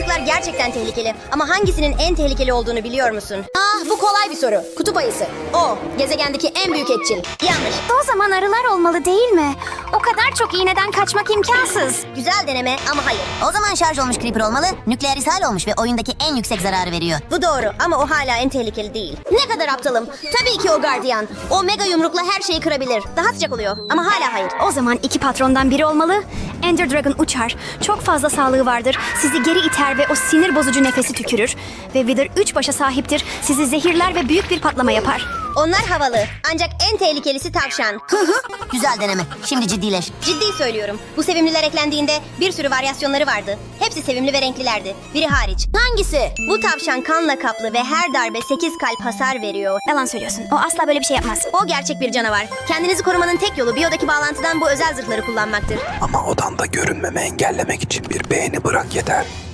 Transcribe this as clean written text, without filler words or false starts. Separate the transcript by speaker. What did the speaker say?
Speaker 1: Balıklar gerçekten tehlikeli ama hangisinin en tehlikeli olduğunu biliyor musun?
Speaker 2: Bu kolay bir soru. Kutup ayısı. O, gezegendeki en büyük etçil.
Speaker 1: Yanlış.
Speaker 3: O zaman arılar olmalı değil mi? O kadar çok iğneden kaçmak imkansız.
Speaker 1: Güzel deneme ama hayır.
Speaker 4: O zaman şarj olmuş Creeper olmalı. Nükleer ishal olmuş ve oyundaki en yüksek zararı veriyor.
Speaker 1: Bu doğru ama o hala en tehlikeli değil.
Speaker 2: Ne kadar aptalım. Tabii ki o gardiyan. O mega yumrukla her şeyi kırabilir.
Speaker 1: Daha sıcak oluyor ama hala hayır.
Speaker 3: O zaman iki patrondan biri olmalı. Ender Dragon uçar. Çok fazla sağlığı vardır. Sizi geri iter ve o sinir bozucu nefesi tükürür. Ve Wither 3 başa sahiptir. Sizi zehirler ve büyük bir patlama yapar.
Speaker 1: Onlar havalı ancak en tehlikelisi tavşan.
Speaker 4: Güzel deneme. Şimdi ciddileş.
Speaker 1: Ciddi söylüyorum. Bu sevimliler eklendiğinde bir sürü varyasyonları vardı. Hepsi sevimli ve renklilerdi. Biri hariç.
Speaker 2: Hangisi?
Speaker 1: Bu tavşan kanla kaplı ve her darbe 8 kalp hasar veriyor.
Speaker 3: Yalan söylüyorsun. O asla böyle bir şey yapmaz.
Speaker 1: O gerçek bir canavar. Kendinizi korumanın tek yolu biyodaki bağlantıdan bu özel zırhları kullanmaktır.
Speaker 5: Ama odanda görünmemi engellemek için bir beğeni bırak yeter.